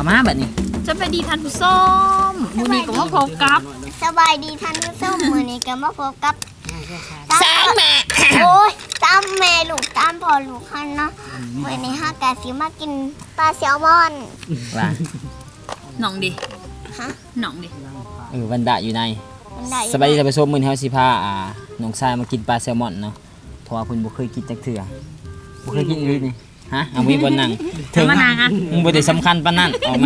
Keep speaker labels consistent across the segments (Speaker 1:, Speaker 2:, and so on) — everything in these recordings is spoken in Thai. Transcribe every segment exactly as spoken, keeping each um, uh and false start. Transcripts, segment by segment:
Speaker 1: มาแบบนี้
Speaker 2: สบายดีท่านผู้ชมมื้อนี้ก็มาพบกับ
Speaker 3: สบายดีท่านผู้ชมมื้อนี้ก็มาพบกับ
Speaker 1: สางแม่
Speaker 3: โอ้ยตามแม่ลูกตามพ่อลูกคันเนาะมื้อนี้ฮากะสิมากินปลาแซลมอน
Speaker 1: ว่า
Speaker 2: หน่องดิ
Speaker 3: ฮะ
Speaker 2: หน่องดิ
Speaker 1: เออวันดะอยู่ใน
Speaker 3: มันได้
Speaker 1: สบายดีท่านผู้ชมมื้อนี้เฮาสิพาอ่าน้องชายมากินปลาแซลมอนเนาะเพราะว่าเพิ่นบ่เคยกินจักเทื่อบ่เคยกินอีหลีนี่ฮะเอามีบ่นั่งถึง
Speaker 2: มานางอ่ะ
Speaker 1: มึงบ่ได้สำคัญปานนั้นออกไหม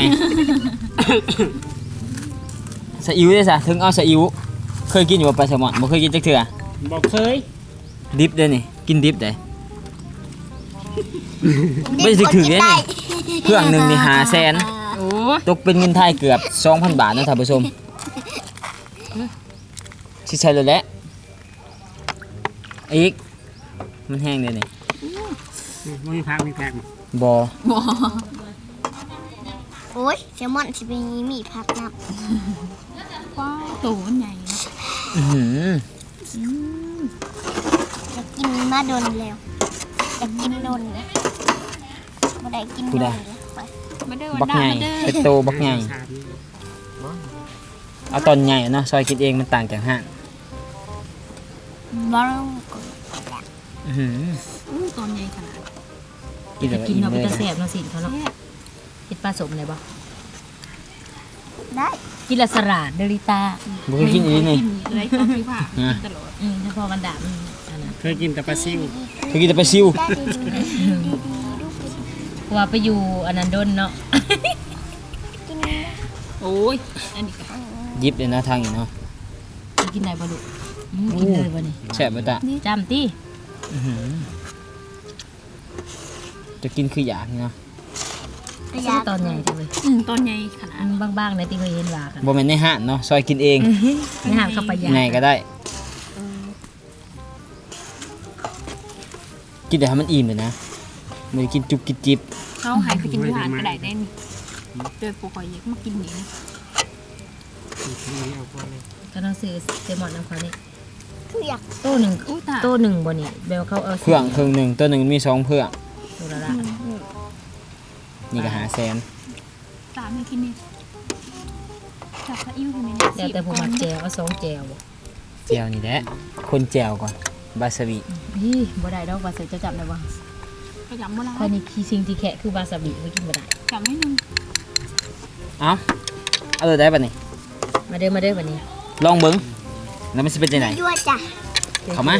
Speaker 1: สะอิ๋วเด้ซะถึงเอาสะอิ๋วเคยกินอยู่บ่ปลาแซลมอนบ่เคยกินจักเทื่อ
Speaker 4: บอกเคย
Speaker 1: ดิบเด้อนี่กินดิบได้ ไม่สิถือเนี่ยนี่ เครื่องหนึงนี่ห้าแสน
Speaker 2: โอ้
Speaker 1: ตกเป็นเงินไทยเกือบ สองพัน บาทนะท่านผู้ชมสิใช่เลยแหละอีกมันแห้งเลยนี่
Speaker 4: ไม่มีพักมีแพก
Speaker 1: บ่
Speaker 2: บ่
Speaker 3: โอ้ยแซลมอนสิเป็นมีผักนับ
Speaker 2: ว้าวตัวมันใหญ่เนาะ
Speaker 1: อื้อหือ
Speaker 3: จะกินมาโดนแล้วจะกินโดนแล้วบ่ได้กินโดนแล้วไป
Speaker 2: มาเด้อ
Speaker 1: บั
Speaker 2: วัน
Speaker 1: ก
Speaker 2: ดา
Speaker 1: ใหญ่
Speaker 2: มาเด้อ
Speaker 1: เป็นโตบักใหญ่เอาตอนใหญ่เนาะซอยกินเองมันต่างจากห้าง
Speaker 3: บ่ต้อง
Speaker 1: อื้อหือ
Speaker 2: อู้ตอนใหญ่ขนาด
Speaker 1: กินแล้วก็
Speaker 5: กิน
Speaker 1: อิ่ม
Speaker 5: เนาะ
Speaker 1: เล
Speaker 5: เป็น
Speaker 1: ย
Speaker 5: ตาแสบเนาะสิเขาเนาะเฮ็ดปลาสมเลยบ่
Speaker 3: ได้
Speaker 5: กินละสลัดเดลิต้า
Speaker 1: บ่เคยกินอีนี่
Speaker 2: อะไรตอนที่ว่า
Speaker 1: อ่ะ
Speaker 2: ตลอด
Speaker 5: อืมถ้าพอกันดาบมันอันนั้น
Speaker 4: เคยกินแต่ปลาซิว
Speaker 1: เคยกินแต่ปลาซิว
Speaker 3: ได้ดีดีดีดีดูไป
Speaker 5: เพราะว่าไปอยู่อันนั้นดนเนาะ
Speaker 3: กิน
Speaker 2: โอ้ยอันนี้ก็
Speaker 1: ยิบเลยนะทางนี้เนาะ
Speaker 5: กินได้บ่ลูกอืมกินเลยบ่นี่
Speaker 1: แซ่บบ่ตะ
Speaker 5: จำติ
Speaker 1: อื้อหือจะกินคืออยากนี่เนาะ
Speaker 3: ประห
Speaker 5: ซื้
Speaker 3: ยั
Speaker 5: อ
Speaker 3: ด
Speaker 5: ตอนใหญ่จังเลย
Speaker 2: อืมตอนใหญ่ขนา
Speaker 5: อั
Speaker 2: ด
Speaker 5: นบางๆในที่เคยเห็นว่ากัน
Speaker 1: บ่แม่นในห้างเนาะซอยกินเอง
Speaker 5: ในห้างเข้าไปยา
Speaker 1: ไงก็ได้ กินแต่ให้มันอิ่มเลยนะไม่ได้กินจุบกินจิบ
Speaker 2: เขาหายไปกินที่หาดก็ได้ได้นี่เจอปูคอยเยกมากินนี่นะ
Speaker 5: ก็ต้องซื้อเซลมอนน้ำเขานี่
Speaker 3: คืออยาก
Speaker 5: โตหนึ่ง
Speaker 2: อู้ตา
Speaker 5: โตหนึ่งบ่นี่แบลเขาเอา
Speaker 1: เพื่องเครื่องหนึ่งตัวหนึ่งมีสองเพื่อง
Speaker 5: ตัวละละ
Speaker 1: นี่ก็หาแสน
Speaker 2: ตาไม่กินนี่จับพระอิ่วใช่ไหมเนี่ย
Speaker 5: แล้วแต่ผู้มักแจวเอาสองแจวบ่
Speaker 1: แจวนี่แหละคนแจวก่อนบาสบิ
Speaker 5: นี่บ่ได้ดอกว่าใส่จะจับได้บ่
Speaker 2: ก็จำเมื่อไร
Speaker 5: ข้อยนี่ขี้สิ่งที่แคะคือวาซาบิบ่กินบ่ได้
Speaker 2: จำไม่นึง
Speaker 1: เอ้าเอาเลยได้ปะนี่
Speaker 5: มาเด้อมาเด้อบัดนี้
Speaker 1: ลองเบิ้งแล้วมันจะเป็นยังไง
Speaker 3: ยั่วจ้ะ
Speaker 1: เข้ามา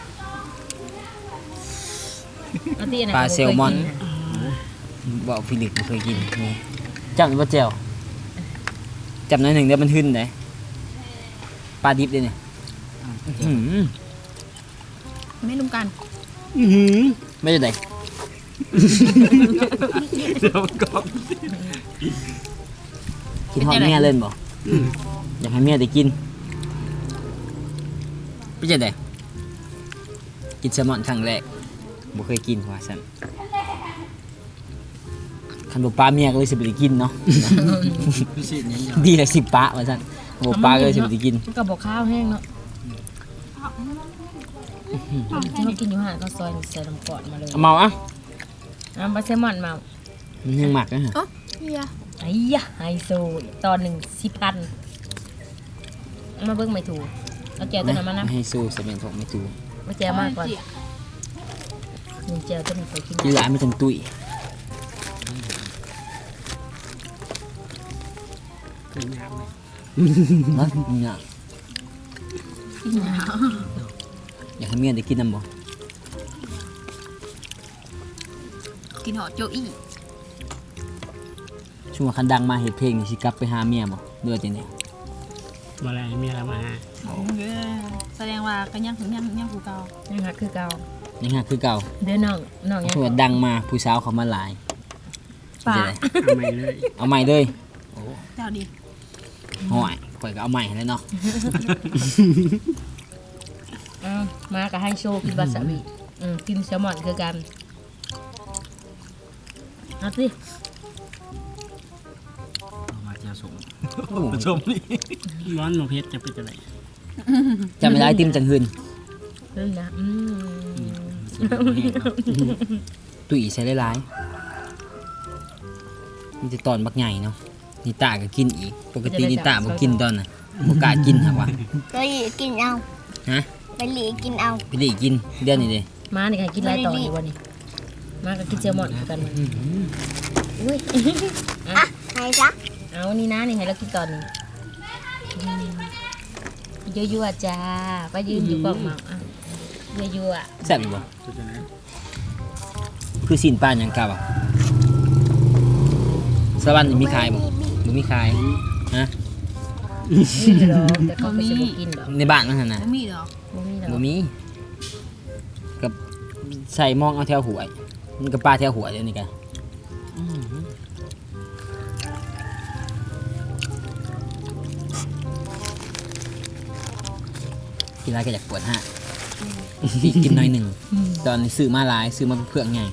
Speaker 5: เอาที่อันนั้น
Speaker 1: ปลา
Speaker 5: ก็บ่
Speaker 1: แซลมอน
Speaker 5: เคยกิะ
Speaker 1: บอกฟิลิปไม่เคยกินนี่จับหรือว่าแจวจับหน่อยหนึ่งเดี๋ยวมันหึ่นเลยปลาดิบเลยเนี่ยอื้อหือ
Speaker 2: ไม่ลุมกัน
Speaker 1: ไม่ได้ไหน
Speaker 4: เดี๋ยวก็
Speaker 1: กินหอดเมียเล่นบ่อยากให้เมียได้กินไม่ใช่ไดกินแซลมอนครั้งแรกบ่เคยกินว่าซั่นคันบ่ปลาเมียก็เลยสิบ่ได้กินเนาะ
Speaker 4: พิเศษยังไง
Speaker 1: ดีละสิบปลาว่าซั่นบ่ปลาก็เลยสิบ่ได้กิน
Speaker 5: มันก็บอกข้าวแห้งเนาะที่เขากินอยู่ห่างก็ซอยใส่ลำกอดมาเลย
Speaker 1: เอาเมาอ่ะ
Speaker 5: น้ำปลาแซลมอนมา
Speaker 1: มันยังหมักนะฮะ
Speaker 2: เฮีย
Speaker 5: ไอ้ยะไฮโซตอนหนึ่งสิบพันเอามาเบิ้งไม่ถูกเอาแจวตัวนั้นมานะ
Speaker 1: ให้สู้สมัยของไม่ถูก
Speaker 5: มาแจวมากกว่าหนึ่งแจวตัวนี้ไปกิน
Speaker 1: กินหลายไม่จังตุ้ย
Speaker 4: กินน้ำเลย
Speaker 1: เนาะเนี่ย
Speaker 2: กินหนาว
Speaker 1: อยากให้เมียได้กินน้ำบ่
Speaker 2: กินหอโจอี้
Speaker 1: ช่วงคันดังมาเฮ็ดเพลงนี่สิกลับไปหาเมียบ่เดือดจังได๋
Speaker 4: มาอะไรมีอะไรมา
Speaker 2: แสดงว่าก็ยังถึงยังยังกูเก่า
Speaker 5: นี่ค่ะคือเก่า
Speaker 1: ยังหาคือเก่า
Speaker 5: เด้อน้องน้องยัง
Speaker 1: ช่วงดังมาผู้สาวเขามาหลาย
Speaker 5: ป่า
Speaker 1: สิได้
Speaker 4: เอาไม่เลย
Speaker 1: เอาใหม่เลย
Speaker 2: เจ้าดี
Speaker 1: ห่วยข่อยก็เอาใหม่ให้แล้วเนาะ
Speaker 5: อ้าวมากับไฮโซกินวาซาบิอืมกินแซลมอนคือกันเอาสิ
Speaker 4: มาเจียวสมสมนี่ร้อนหมกเพชรจะเป็นอะไร
Speaker 1: จำไม่ได้ติมจังหืน
Speaker 5: เล่นนะอืม
Speaker 1: ตุ้ยใส่หลายมีแต่ตอนบักใหญ่เนาะนิตาก็กินอีกปกตินิตาบ่กินตอนน่ะบ่กล้ากินหักว่า
Speaker 3: ก็หลีกินเอา
Speaker 1: ฮะ
Speaker 3: ไปหลีกินเอา
Speaker 1: พี่ลี่กินเดือนนี้เด้
Speaker 5: มานี่ค่ะกินหลายตอนอยู่วันนี้มาก็กินเซลมอนกันมาอุ้ย
Speaker 3: อ่ะใครจ๊ะ
Speaker 5: เอานี่นะนี่ให้เรากินตอนนี้ยั่วๆจ้าไปยืนอยู่กล่องเมาอ่ะยั่ว
Speaker 1: แซ่บอยู่บ่คือสินปลาหยังกะบ่สวรรค์นี่มีขายบ่บ่มีขายฮะ
Speaker 5: ๆนี่หรอกแต่เขาไม่ใช่บ่กินหรอก
Speaker 1: ในบ้านมันหั่นน่ะ
Speaker 2: บ่มีดอก
Speaker 5: บ่มีหรอก
Speaker 1: บ่มีกับใส่มองเอาแถวหวยมันก็ปลาแถวหวยเดี๋ยวนี้กันกินอะไรก็อยากปวดฮะพี่กินหน้อยหนึ่งตอนนี้ซื้อมาหลายซื้อมาเพื่อไง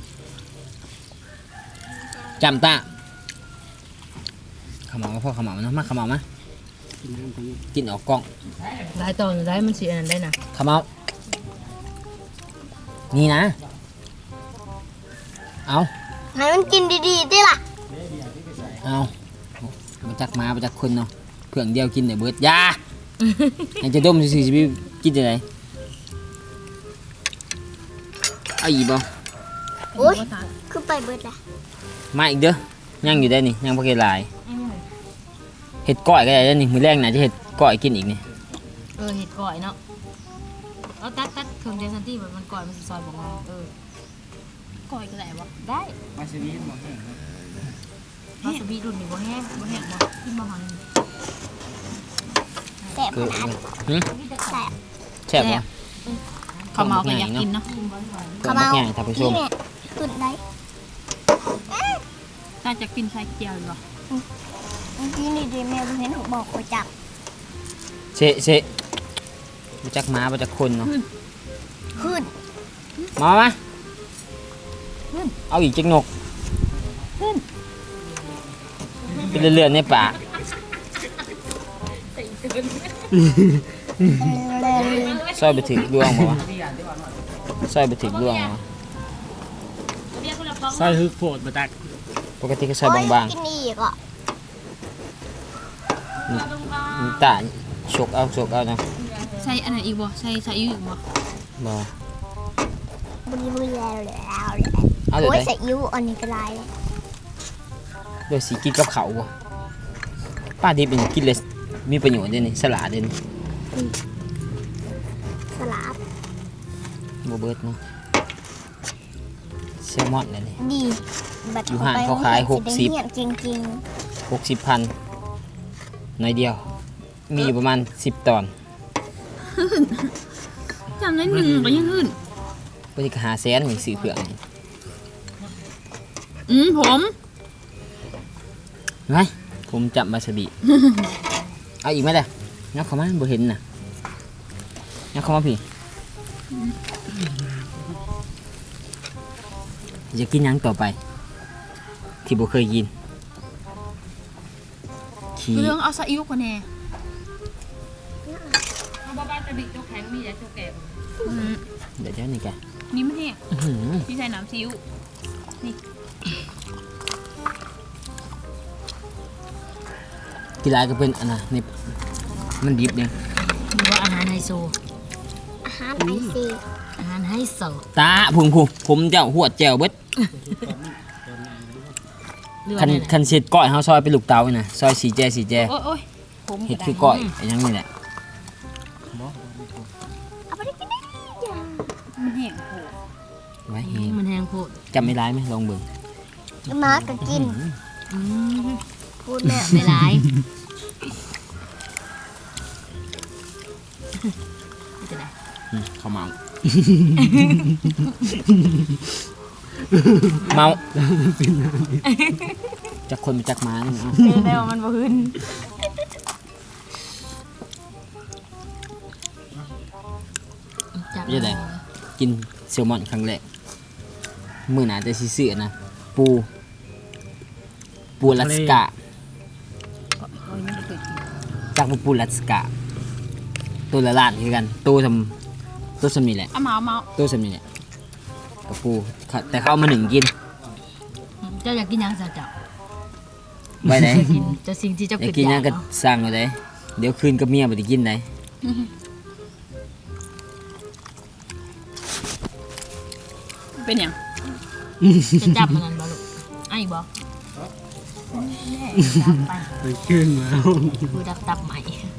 Speaker 1: จำตาขมเหลามาพ่อขมเหลาเนาะมาขมเหลามากินออกกล้อง
Speaker 5: หลายตอนได้มันสิอันนั้นได้นะ
Speaker 1: ขมเหลานี่นะ เอา
Speaker 3: ให้มันกินดีๆดิล่ะ
Speaker 1: เอามาจากหมามาจากคนเนาะเพื่องเดียวกินแต่เบิดยา ยังจะดมสิสิไปกินจะไหนเอาอีกบ่
Speaker 3: โอ๊ยคือไปเบิดละ
Speaker 1: มาอีกเด้อยังอยู่ได้นี่ยังพอเกหลายเห็ดก้อยก็ได้แล้วนี่มื้อแรกน่าจะเห็ดก้อยกินอีกนี่
Speaker 5: เออเห็ดก่อยเนาะเอาตัดตัดเครื่องเดซันตี้แบบมันก่อยมันสิซอยบ่งอเออ
Speaker 2: ก่อยก็ได้บ่
Speaker 5: ได้
Speaker 4: มาซีรีส์บ่แห้ง
Speaker 5: วาซาบิรุ่นนี้บ่แห้งบ่แห้งบ่กินบ่หอน
Speaker 3: แซ่บ
Speaker 1: คือ
Speaker 3: ขนาด
Speaker 1: หึ
Speaker 3: แซ่บ
Speaker 1: แซ่บบ่
Speaker 2: ข้าวเมาก็อยากกินเนาะ
Speaker 1: ต้มบักใหญ่ท่านผู้ชม
Speaker 3: นี่เนี่ยตุ่นได้
Speaker 2: น่าจะกินไข่เจียวอยู่บ่
Speaker 3: เมื่อกี้นี่ดีแม่เห็นเขาบอกเขาจับ
Speaker 1: เชะเชะมาจากหมามาจากคนเนาะ
Speaker 3: ขึ้น
Speaker 1: มามาเอาอีกจักนกเป็นเรื่อยๆในป่า ซอยไปถึงดวงบ่วะซอยไปถึงดวงบ่วะ
Speaker 4: ใส่ฮึกโพดบ่ตัก
Speaker 1: ปกติก็ซอยบาง
Speaker 3: กินอีกอ่ะ
Speaker 1: ๆนี่นี่ตาชกเอาชกเอานะ
Speaker 2: ใส่อันนั้นอีกบ่ใส่ใส่อิ๊วอีกบ่
Speaker 1: บ่
Speaker 3: บุรีบุรีแล้วแล้วเลย
Speaker 1: เอาเดี๋ยว
Speaker 3: โอ้ย
Speaker 1: ได้
Speaker 3: ใส่ยิ้วอันนี้ก็ลายเลย
Speaker 1: เดี๋ยวสิกินกับเขาวบ่ป้าดิบเป็นกินเลยมีประโยชน์เด้นี่สลัดเด้นี่
Speaker 3: สลับ
Speaker 1: บ่เบิดเนาะแซลมอนเลยนี่
Speaker 3: ดีบัด
Speaker 1: อยู่ห้างเขาขายหกสิบ
Speaker 3: เงียบจริง
Speaker 1: หกสิบพันน้อยเดียว มีอยู่ประมาณสิบตอน
Speaker 2: จำได้หนึ่งก็ยังขึ้น
Speaker 1: ปกติก็หาแสนนี่ซื้อเครื่องนี่
Speaker 2: อืมผม
Speaker 1: ไงผมจับมาสบิ เอาอีกไหมเด้องับเข้ามาบ่เห็นน่ะงับเข้ามาพี่จะกินหยังต่อไป ที่บ่เคยกินขี้
Speaker 2: เรื่องเอาใส่อิ๊วคนแน่
Speaker 5: เอาบ่บ้านจะบิโจกแข็งมีแต่โจกแก่
Speaker 2: อืม
Speaker 1: เดี๋ยวเดี๋ยวนี่แก
Speaker 2: นี่มันแห้ง
Speaker 1: อื้อหือ
Speaker 2: พี่ใส่น้ำซีอิ๊ว
Speaker 1: กีฬาก็เป็นอันน่ะนี่มันดิบเนี่ย
Speaker 5: มีว่าอาหารไฮโซ
Speaker 3: ๆอาหารไอซี
Speaker 5: อาหารไฮโซ
Speaker 1: ตาพุงพุงผมเจ้าหัวแจวเบิด
Speaker 5: หรือ
Speaker 1: คั
Speaker 5: ว่าน เนี่ย
Speaker 1: คันเสร็จก้อยเฮาซอยเป็นลูกเต๋านี่นะซอยสีแจสีแจ
Speaker 2: โอ้ยโอ้ยผม
Speaker 1: เฮ็ดคือก้อยอันยังนี่แหละ
Speaker 3: เอาไปได้กินได้จ้า
Speaker 2: มันแห้งโห
Speaker 1: ไว้เฮง
Speaker 5: มันแห้งโพด
Speaker 1: จำไม่ร้ายไหมลองเบิ่ง
Speaker 3: มาก็กิน
Speaker 5: อืม
Speaker 3: พูดแม่
Speaker 5: ไม่ร้ายจะได้
Speaker 1: อืมเขาเมา เมาจากคนมาจากหมานี่เอา
Speaker 2: เออได้ว่ามันบ่ขึ้น
Speaker 5: จับ
Speaker 1: ไม่ใช่ไดกินแซลมอนครั้งแรกมื้อหน้าจะสิซื้อนะปูปูลัสกา
Speaker 2: โอ้ยไม่เคยกิน
Speaker 1: จากปูลัสกาตัวละล้านคือกันตัวทำตัวสมีแหละ
Speaker 2: เอาเมาเมา
Speaker 1: ตัวสมีแหละกับปูเขาแต่เขาเอามาหนึ่งกิน
Speaker 5: เจ้าอยากกินหยังซะเจ้า
Speaker 1: ไว้ไหน
Speaker 5: กินจะสิ่งที่เจ้า
Speaker 1: ไอ้
Speaker 5: คิด
Speaker 1: กิน
Speaker 5: อ
Speaker 1: ยั
Speaker 5: ยาง ก
Speaker 1: ก็
Speaker 5: เนาะ
Speaker 1: สร้างเอาได้เดี๋ยวคืนกับเมียบ่ได้กินได้
Speaker 2: เป็นหยัง
Speaker 5: จะจับมันนั่นบ่ลูกไอ้บ่จับไป
Speaker 4: ไปขึ้นมา
Speaker 5: คือดับตับใหม่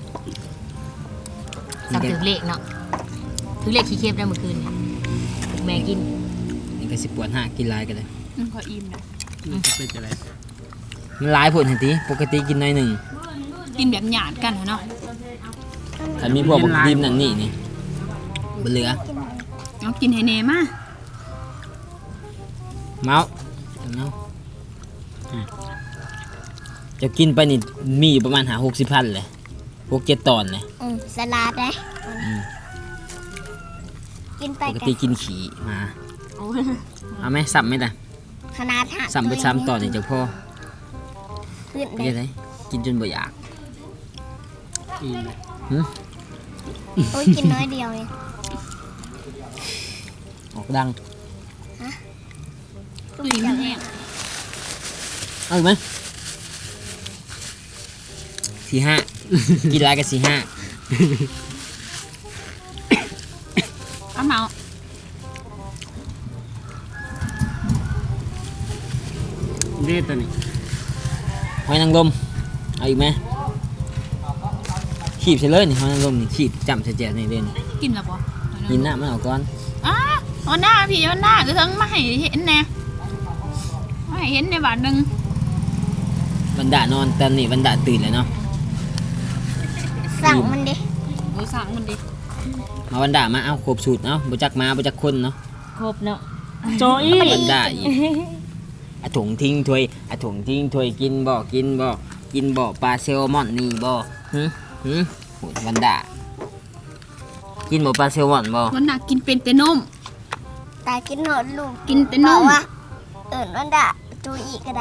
Speaker 5: จับถึงเลขเนาะถึงเลขขี้เค็บได้เมื่อคืนเนี่ยแม่กิน
Speaker 1: นี่ก็สิปวดหากินหลายก็ได้
Speaker 2: มันขออิ่มนะ
Speaker 4: มันจะเป็นอะไร
Speaker 1: มันหลายผลทันทีปกติกินน้อยหนึ่ง
Speaker 2: กินแบบหยาดกันเนาะ
Speaker 1: ถ้ามีพวกบักดิมนั่นนี่นี่บ่เหลือ
Speaker 2: เอากินให้แน่มา
Speaker 1: เมาเนาะจะกินไปนี่มีอยู่ประมาณหาหกสิบพันเลยหกเจ็ดตอนเลย
Speaker 3: อืมสลัดเลย
Speaker 1: อืม
Speaker 3: กินไป
Speaker 1: ปก
Speaker 3: กัน
Speaker 1: ติกินขี่มาเอาไหมสับไหมล่ะ
Speaker 3: ขนาดหัก
Speaker 1: สับไปซ้ำตอนนี่จะพอ
Speaker 3: ขึ้น
Speaker 1: ไม่
Speaker 3: เล
Speaker 1: ใช่
Speaker 3: ย
Speaker 1: ไหมกินจนบ่อยาก
Speaker 4: อีก
Speaker 1: หึ
Speaker 3: โอ้ยกินน้อยเดียวเอง
Speaker 1: ออกดัง
Speaker 2: ตุยมันแห้ง
Speaker 1: เอาอีกไหมสี่ห้า กินหลายกับสี่ห้า
Speaker 2: เอาเมา
Speaker 4: เด็ดตัวนี้
Speaker 1: หอยนางรมเอาอีกไหมขีบใส่เลยนี่หอยนางรมนี่ขีบจำใส่แจกนี่เลยนี่
Speaker 2: กินแล้วบ่
Speaker 1: กินหน้ามันเอาก่อน
Speaker 2: อ้าเอาหน้าพี่เอาหน้าคือทั้งมาให้เห็นแน่มาให้เห็นในบาทหนึง
Speaker 1: บรรดานอนตอนนี้บรรดาตื่นเลยเนาะ
Speaker 3: สั่งมันดิ
Speaker 2: โอ้สั่งมันดิ
Speaker 1: มาบรรดามาเอาครบสูตรเนาะบ่จักมาบ่จักคนเนาะ
Speaker 5: ครบเนาะ
Speaker 4: โจอี้
Speaker 1: บรรดาอีกอะถุงทิ้งถ้วยอะถุงทิ้งถ้วยกินบ่กินบ่กินบ่ปลาแซลมอนนี่บ่หึหึโหบรรดากินบ่ปลาแซลมอนบ่
Speaker 2: วันน่ะกินเป็นแต่นม
Speaker 3: ตายกินหนอดลูก
Speaker 2: กินแต่น
Speaker 3: บอก
Speaker 2: ม
Speaker 3: ว่าเอิญวันดาตูอีกก็ได้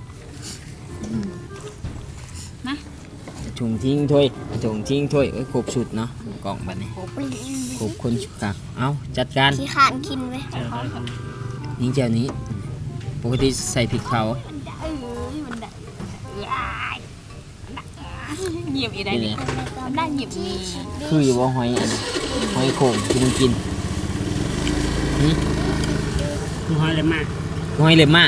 Speaker 2: นะ
Speaker 1: อะถุงทิ้งถ้วยอะถุงทิ้งถ้วยเอ้ยครบสูตรเนาะกล่องบัดนี้ครบคนสุดครับเอาจัดการ
Speaker 3: ขี้ขานกินไว้
Speaker 1: นี่เจ้านี้ปกติใส่พริกเผา
Speaker 2: เอ้ยมันได้เหยียบอีได้
Speaker 1: นี่
Speaker 2: นี่
Speaker 1: แหละ
Speaker 2: มันได้เหยียบนี่
Speaker 1: คืออยู่ว่าหอยอันหอยโข่งที่มันกินหึ
Speaker 4: คือหอยเลยมาก
Speaker 1: หอยเลยมาก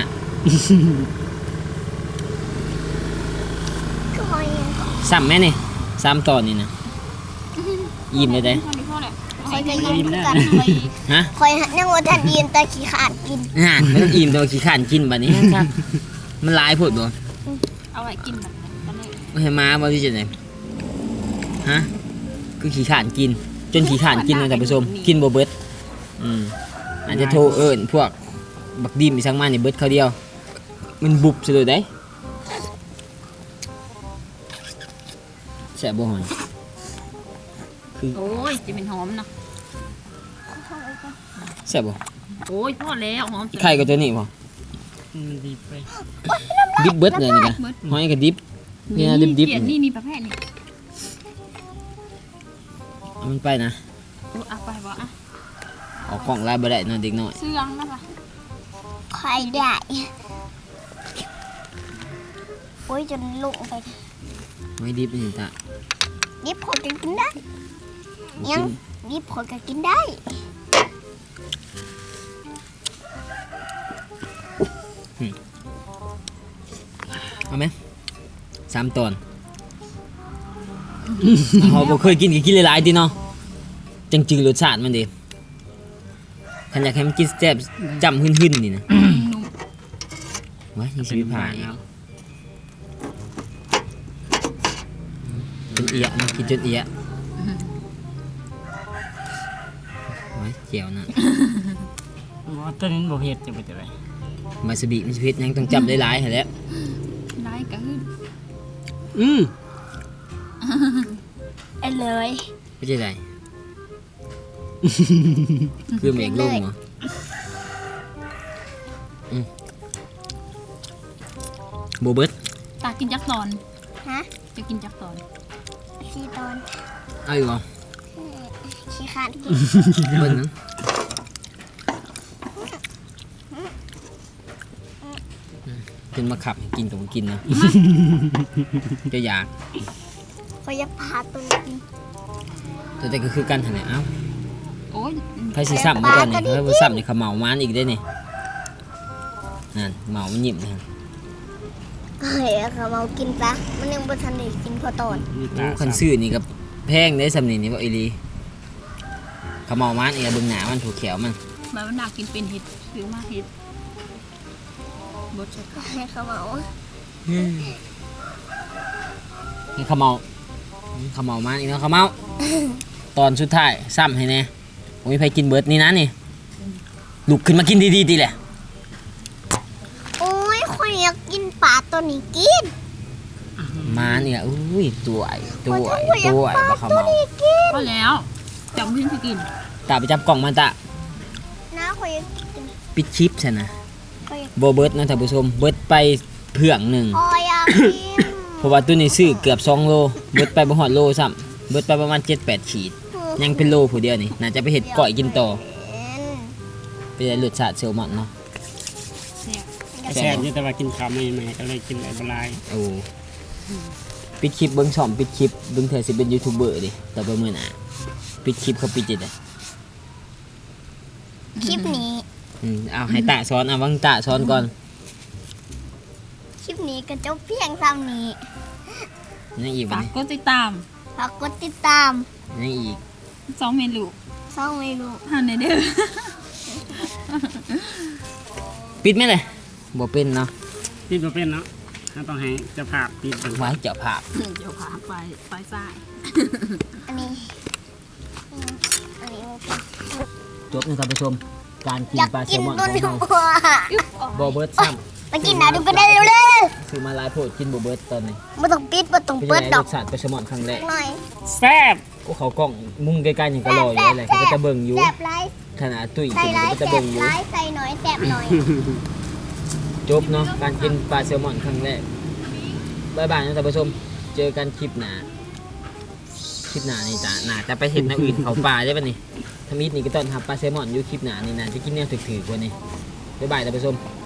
Speaker 3: ก็คอยยังก่อน
Speaker 1: ซ้ำไหมนี่ซ้ำตอนนี่นะยิ้มเลยได้
Speaker 2: พอดีพอแหละ
Speaker 3: คอยก็ยังคือกัน
Speaker 2: ไป
Speaker 1: ฮะ
Speaker 3: คอยนั่งว่าทันดีนแต่ขี้ขานกิน
Speaker 1: อ่าไม่ต้องอิ่มแต่ว่าขี้ข้านกินบัดนี้ครับมันหลายผดบ่
Speaker 2: เอาไว้กินแบบนั้นตอนนี้
Speaker 1: ไม่ให้มาบ่ที่จะไหนฮะคือขี้ข้านกิน จนขี้ข้านกินเลยท่านผู้ชมกินบ่เบิดอืมอาจจะโทรเอิ้นพวกบักดิมอีสังมานี่เบิดเขาเดียว มันบุบซะเลยได้แซ่บบ่หอย
Speaker 2: โอ้ยจะเป็นหอมเนาะ
Speaker 1: แซ่บบ่
Speaker 2: โอ้ยพอแล้วหอม
Speaker 1: ไข่กับตัวนี้บ่
Speaker 4: มันดีไป
Speaker 1: ดิบเบิดเลยนี่กะหอยกับดิบนี่นะดิบดิบ
Speaker 2: เขียนนี่นี่ประเภทนี่
Speaker 1: เอามันไปนะ
Speaker 2: เอาไปบ่อ่ะ
Speaker 1: ออกกล่องลายบ่ได้เนอนเด็กน้อย
Speaker 2: เสื่องนะปะ
Speaker 3: คอยได้โอ้ยจนลุกไป
Speaker 1: หอยดิบนี่ตา
Speaker 3: ดิบคนก็กินได้ยังดิบคนก็กินได้
Speaker 1: เอาไหมสามตอนเขาบ่เคยกินก็กินหลายๆติเนาะจังจืดรสชาติมันดิคันอยากให้มันกินแซ่บจำหึ่นๆนี่นะว้ายยังสิไปผ่าอีกจนเอียะนะกินจนเอียะว้ายเจียวนะ
Speaker 4: ว่าตัวนี้บ่เผ็ดจะเป็นอะไร
Speaker 1: มาสบิมันสิเผ็ดยังต้องจับหลายๆหั่นแหละ
Speaker 2: ได้ก็คือ
Speaker 4: อืม
Speaker 3: เอาเลย
Speaker 1: ไม่ใช่ไร คือเมฆลงเหรออืมโบเบิร์ต
Speaker 2: ตากินจักตอน
Speaker 3: ฮะ
Speaker 2: จะกินจักตอน
Speaker 3: สี่ตอน
Speaker 1: เอาอยู่เหรอ
Speaker 3: ขี้ขานกิน
Speaker 1: เบิ้ลนึงจะขึ้นมาขับให้กินกับกินเนาะจะอยาก
Speaker 3: เขาจะพาตัวนี้
Speaker 1: แต่แต่ก็คือกันหั่นแหละเอ้า
Speaker 2: โอ้ย
Speaker 1: ใครสิซ้ำมาก่อนนี่ใครบ่ซ้ำนี่เขาเหมามานอีกได้นี่นั่นเหมามันหยิบนะ
Speaker 3: เฮ้ยเขาเอากินปะมันยังบ่ทันได้กินพอตอน
Speaker 4: มี
Speaker 1: โอ้
Speaker 4: ตา
Speaker 1: คันซื้อนี่ก็แพงได้สำนี่นี่บ่อีหลีเขาเหมามานอีกเบิ่งหน้ามันถูกแขวมัน
Speaker 2: แบบมันน่ากินเป็นเห็ดซื้อมาเห็ดบดใส่ข้าว
Speaker 3: ให้เขาเอา
Speaker 1: นี่เขาเหมาเขาเหมามานอีกเนาะเขาเหมาตอนสุดท้ายซ้ำให้แน่บ่มีใครกินเบิดนี่นะนี่ลุกขึ้นมากินดีๆดีแหละ
Speaker 3: โอ้ยข่อยอยากกินปลาตัวนี้กิน
Speaker 1: มาเนี่ยอุ้ยตัวไอ้ตัวไอ้
Speaker 3: ข่อยอยาก
Speaker 1: ตัวไอ้
Speaker 3: ปลา
Speaker 1: บ่เขา
Speaker 3: ตัว
Speaker 1: เมา
Speaker 3: นี้กิน
Speaker 2: พอแล้วจับเพื่อนที่กิน
Speaker 1: ตาไปจับกล่องมันตะ
Speaker 3: นะข่อยอยากกิน
Speaker 1: ปิดคลิปใช่นะ
Speaker 3: ข่อยอยาก
Speaker 1: โบเบิร์ตนะท่านผู้ชมเบิร์ตไปเพื่องหนึ่ง
Speaker 3: ข่อยอยากกิน
Speaker 1: เพราะว่าตัวนี้ซื้อเกือบสองโลเบิร์ตไปบ่ฮอดโลซ้ำเบิร์ตไปประมาณเจ็ดแปดขีดยังเป็นโลผู้เดียวนี่น่าจะไปเห็ดก่อยกินต่อไปได้รสชาติเซลมอนเนาะ
Speaker 2: แซ่บ
Speaker 4: แซ่บอยู่แต่ว่ากินข้าวไม่ไหมก็เลยกินหลายบลาย
Speaker 1: โอ้ปิดคลิปเบิ้งช่อมปิดคลิปเบิ้งเธอสิเป็นยูทูบเบอร์ดิต่อไปมื้อหน้าปิดคลิปเขาปิดจิตอ่ะ
Speaker 3: คลิปนี้
Speaker 1: อืมเอาให้ตาสอนเอาวังตาสอนก่อน
Speaker 3: คลิปนี้ก็จบเพียงเท่านี้
Speaker 1: ยังอีก
Speaker 2: ฝา
Speaker 1: บั
Speaker 2: ก
Speaker 1: ด
Speaker 2: กดติดตาม
Speaker 3: ฝากกดติดตาม
Speaker 1: นี้ยังอีก
Speaker 2: สองเมนู
Speaker 3: ช่องไม่รู้
Speaker 2: หันในเด้อ
Speaker 1: ปิดไหมเลยบ่เป็นเนาะ
Speaker 4: ปิดบ่เป็นเนาะถ้าต้องให้เจะภาพปิดเป็น
Speaker 1: ไว้เจ้าภาพ
Speaker 2: เดี๋ยวพาไปไปซ้าย
Speaker 3: อันนี้อืมอันนี้มันเป็น
Speaker 1: จบนะท่านผู้ชมการกิน
Speaker 3: อยาก
Speaker 1: ปลาแซ
Speaker 3: กิ
Speaker 1: ล
Speaker 3: น
Speaker 1: มอน
Speaker 3: ตัว
Speaker 1: ของ
Speaker 3: นี้
Speaker 1: เรา
Speaker 3: ว่ะ
Speaker 1: บอเบิร์ตซ้
Speaker 3: มากินนะดูกันได้เร็ว
Speaker 1: ำคือมาหลายโพดกินบอเบิร์ตตอนนี้
Speaker 3: ๆไม่ต้องปิดไม่ต้อง
Speaker 1: เป็น
Speaker 3: เปิ
Speaker 1: ยั
Speaker 3: ด
Speaker 1: งไง
Speaker 3: ด
Speaker 1: ร
Speaker 3: อก
Speaker 1: สชาติปลาแซลมอนครั้งแรก
Speaker 3: หน่อย
Speaker 4: แซ่บ
Speaker 1: โอ้เขากล้องมุมใกล้ๆอย่างก็รออยู่อะไรเขาก็จะเบิ่งอยู่
Speaker 3: แสบไร
Speaker 1: ขนาดตุ้ย
Speaker 3: ใส่
Speaker 1: กิน
Speaker 3: ไร
Speaker 1: เขาก็
Speaker 3: แส
Speaker 1: จะ
Speaker 3: บ
Speaker 1: เบิ่งอยู่
Speaker 3: ไรใส่หน่อยแสบหน่อย
Speaker 1: จบเนาะการกินปลาแซลมอนครั้งแรกบายบายนะท่านผู้ชมเจอกันคลิปหน้าคลิปหน้านี่จ้ะน่าจะไปเห็นแนวอื่นเขาปลาได้ป่ะนี่ทำมิดนี่ก็ต้อนรับปลาแซลมอนอยู่คลิปหน้านี่น่าจะกินแนวถือๆกว่านี่บายบายท่านผู้ชม